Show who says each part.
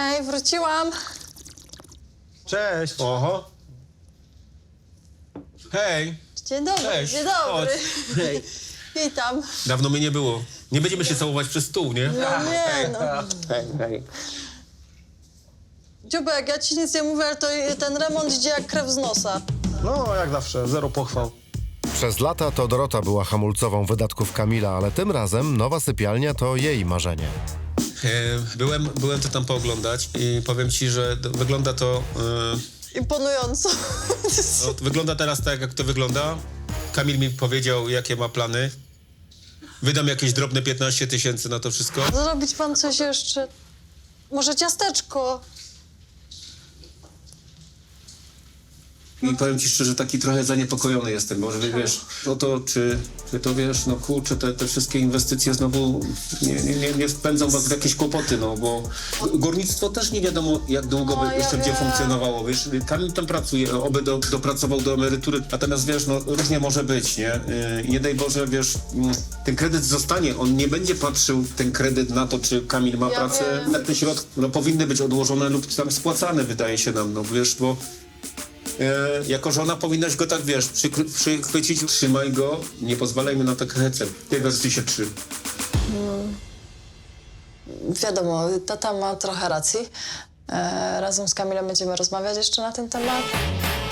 Speaker 1: Hej, wróciłam.
Speaker 2: Cześć.
Speaker 3: Oho. Hej.
Speaker 1: Dzień dobry,
Speaker 3: Cześć.
Speaker 1: dzień dobry.
Speaker 3: Hej.
Speaker 1: Witam.
Speaker 3: Dawno mnie nie było. Nie będziemy się całować przez stół, nie?
Speaker 1: No nie, no.
Speaker 3: Hej.
Speaker 1: Dziubek, ja ci nic nie mówię, ale to ten remont idzie jak krew z nosa.
Speaker 2: No, jak zawsze, zero pochwał.
Speaker 4: Przez lata to Dorota była hamulcową wydatków Kamila, ale tym razem nowa sypialnia to jej marzenie.
Speaker 3: Byłem to tam pooglądać i powiem ci, że wygląda to...
Speaker 1: Imponująco.
Speaker 3: wygląda teraz tak, jak to wygląda. Kamil mi powiedział, jakie ma plany. Wydam jakieś drobne 15 000 na to wszystko.
Speaker 1: Zrobić pan coś jeszcze? Może ciasteczko?
Speaker 3: I powiem ci szczerze, taki trochę zaniepokojony jestem, bo że wiesz, o to, czy to wiesz, no kurczę, te wszystkie inwestycje znowu nie wpędzą was w jakieś kłopoty, no bo górnictwo też nie wiadomo, jak długo
Speaker 1: No,
Speaker 3: by
Speaker 1: ja
Speaker 3: jeszcze będzie
Speaker 1: wiem.
Speaker 3: funkcjonowało, wiesz, Kamil tam pracuje, oby dopracował do emerytury, natomiast wiesz, no różnie może być, nie? Nie daj Boże, wiesz, ten kredyt zostanie, on nie będzie patrzył ten kredyt na to, czy Kamil ma
Speaker 1: Ja
Speaker 3: pracę,
Speaker 1: wiem.
Speaker 3: na te środki, no powinny być odłożone lub tam spłacane, wydaje się nam, no wiesz, bo jako żona powinnaś go tak, wiesz, przychwycić, trzymaj go, nie pozwalaj mu na tak hecem. Tej wersji się trzyma.
Speaker 1: Wiadomo, tata ma trochę racji. Razem z Kamilem będziemy rozmawiać jeszcze na ten temat.